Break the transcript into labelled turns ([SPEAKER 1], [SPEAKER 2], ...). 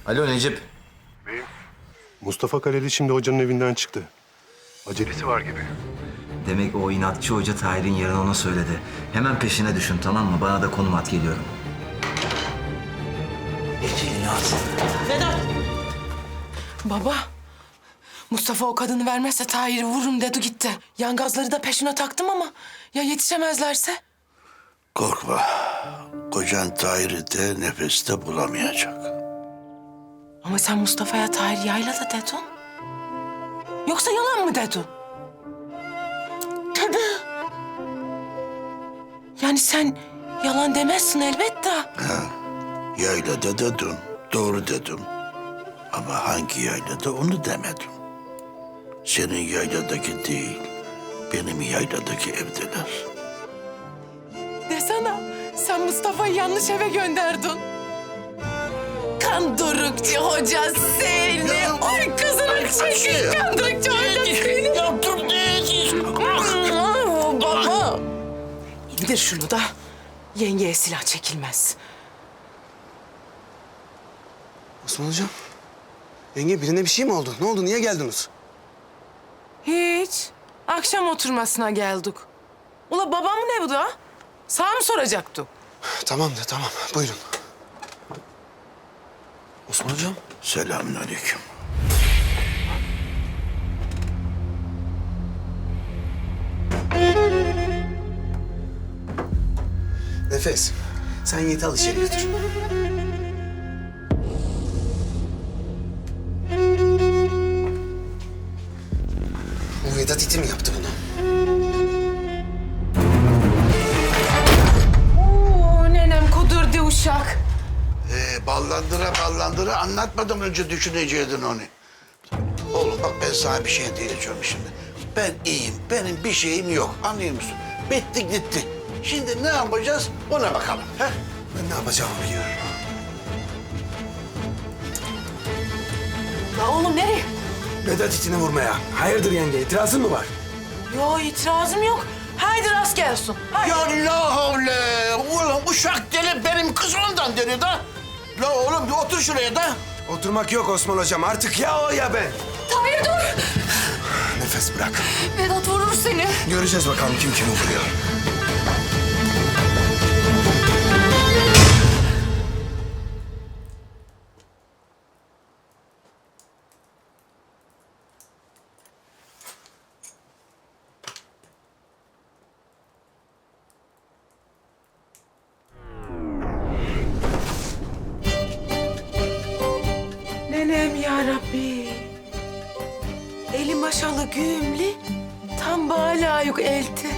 [SPEAKER 1] Alo Necip.
[SPEAKER 2] Mustafa Kaleli şimdi hocanın evinden çıktı. Acelesi var gibi.
[SPEAKER 1] Demek o inatçı hoca Tahir'in yerini ona söyledi. Hemen peşine düşün, tamam mı? Bana da konum at, geliyorum. Ecelini at.
[SPEAKER 3] Vedat! Baba, Mustafa o kadını vermezse Tahir'i vururum dedi gitti. Yangazları da peşine taktım ama ya yetişemezlerse?
[SPEAKER 4] Korkma. Kocan Tahir'i de nefeste bulamayacak.
[SPEAKER 3] Ama sen Mustafa'ya Tahir yaylada dedin. Yoksa yalan mı dedin? Tabii. Yani sen yalan demezsin elbette.
[SPEAKER 4] Yaylada dedim, doğru dedim. Ama hangi yaylada onu demedim. Senin yayladaki değil, benim yayladaki evdeler.
[SPEAKER 3] Desene, sen Mustafa'yı yanlış eve gönderdin. Kandırıkçı hoca seni. Oy kızının çekil kandırıkçı hoca seni. Baba. İndir şunu da yengeye silah çekilmez.
[SPEAKER 5] Osman hocam. Yenge birine bir şey mi oldu? Ne oldu? Niye geldiniz?
[SPEAKER 3] Hiç. Akşam oturmasına geldik. Ula babam ne bu da? Sağ mı soracaktı?
[SPEAKER 5] Tamam da tamam. Buyurun. Osman hocam.
[SPEAKER 4] Selamünaleyküm.
[SPEAKER 5] Nefes. Sen Yiğit'i al içeri götür. Bu Vedat iti mi yaptı bunu?
[SPEAKER 3] Oo, nenem kudurdu uşak.
[SPEAKER 4] Ballandıra anlatmadan önce düşüneceydin onu. Oğlum bak ben sana bir şey diyeceğim şimdi. Ben iyiyim, benim bir şeyim yok. Anlıyor musun? Bitti gitti. Şimdi ne yapacağız ona bakalım. He?
[SPEAKER 5] Ben ne yapacağımı biliyorum.
[SPEAKER 3] La oğlum nereye?
[SPEAKER 5] Vedat itini vurmaya. Hayırdır yenge? İtirazın mı var?
[SPEAKER 3] Yo itirazım yok. Haydi rast gelsin. Haydi.
[SPEAKER 4] Ya la havle! Ulan uşak deli benim kız ondan deli da. La oğlum bir otur şuraya da.
[SPEAKER 5] Oturmak yok Osman hocam. Artık ya o ya ben.
[SPEAKER 6] Tahir dur!
[SPEAKER 5] Nefes bırak.
[SPEAKER 6] Vedat vurur seni.
[SPEAKER 5] Göreceğiz bakalım kim kimi vuruyor.
[SPEAKER 3] Nenem ya Rabbi. Eli maşalı güğümlü, tam bana layık elti.